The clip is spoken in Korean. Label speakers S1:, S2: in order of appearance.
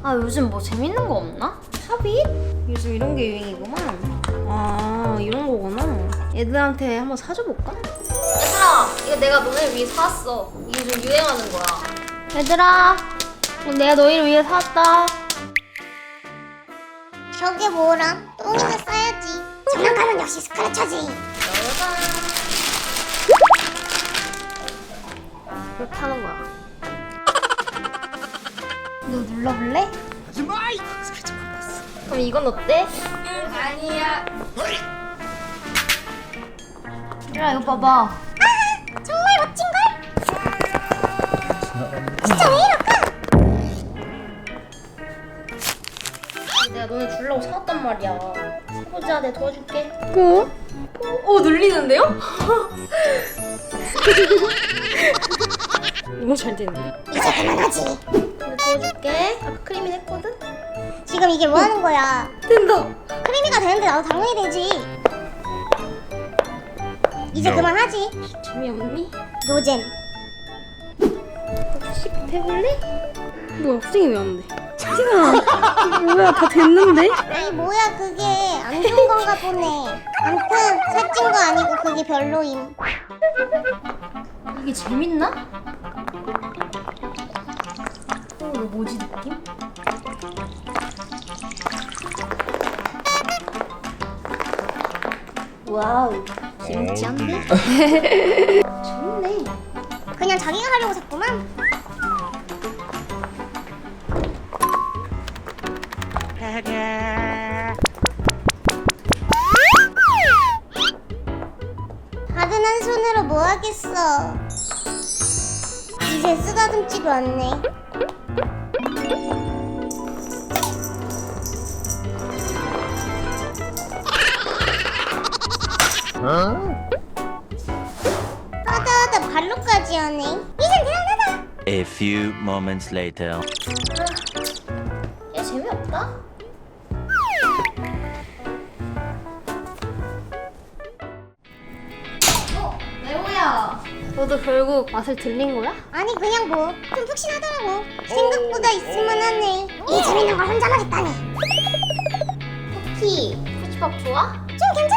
S1: 아 요즘 뭐 재밌는 거 없나? 팝잇? 요즘 이런 게 유행이구만. 아 이런 거구나. 애들한테 한번 사줘볼까? 얘들아 이거 내가 너네 위해 사왔어. 이게 요즘 유행하는 거야. 얘들아 내가 너희를 위해 사왔다.
S2: 저게 뭐라? 똥이나 싸야지. 장난감은 역시 스크래쳐지.
S1: 이렇게 하는 거야. 너 눌러볼래? 그럼 이건 어때? 아니야. 야 이거 봐봐.
S2: 정말 멋진걸? 진짜 왜 이럴까?
S1: 내가 너네 주려고 사왔단 말이야. 보자, 내가 도와줄게.
S3: 눌리는데요?
S1: 너무 잘 되는데?
S2: 이제 그만하지.
S1: 내가 도와줄게. 아까 크림이 했거든?
S2: 지금 이게 뭐 하는 거야?
S1: 된다.
S2: 크리미가 되는데 나도 당연히 되지. 이제 그만하지.
S1: 재미없니?
S2: 노잼.
S1: 혹시 해볼래? 뭐야, 후딩이 왜 안 돼? 채팅아, 뭐야, 다 됐는데?
S2: 에이 뭐야 그게 안 좋은 건가 보네. 암튼 살찐 거 아니고 그게 별로임.
S1: 이게 재밌나? 이거 뭐지, 느낌? 와우, 김치한데? 좋네.
S2: 그냥 자기가 하려고 샀구만. 다른 한 손으로 뭐 하겠어. 이제 쓰다듬지도 않네. 하다 발로까지 하네. 이젠 대단하다.
S4: A few moments later.
S1: 얘 재미없다? 레오야, 너도 결국 맛을 들린 거야?
S2: 아니 그냥 뭐 좀 푹신하더라고. 생각보다 있을만하네. 이 재밌는 걸 혼자만 했다니.
S1: 쿠키, 쿠치밥 좋아?
S2: 좀 괜찮아.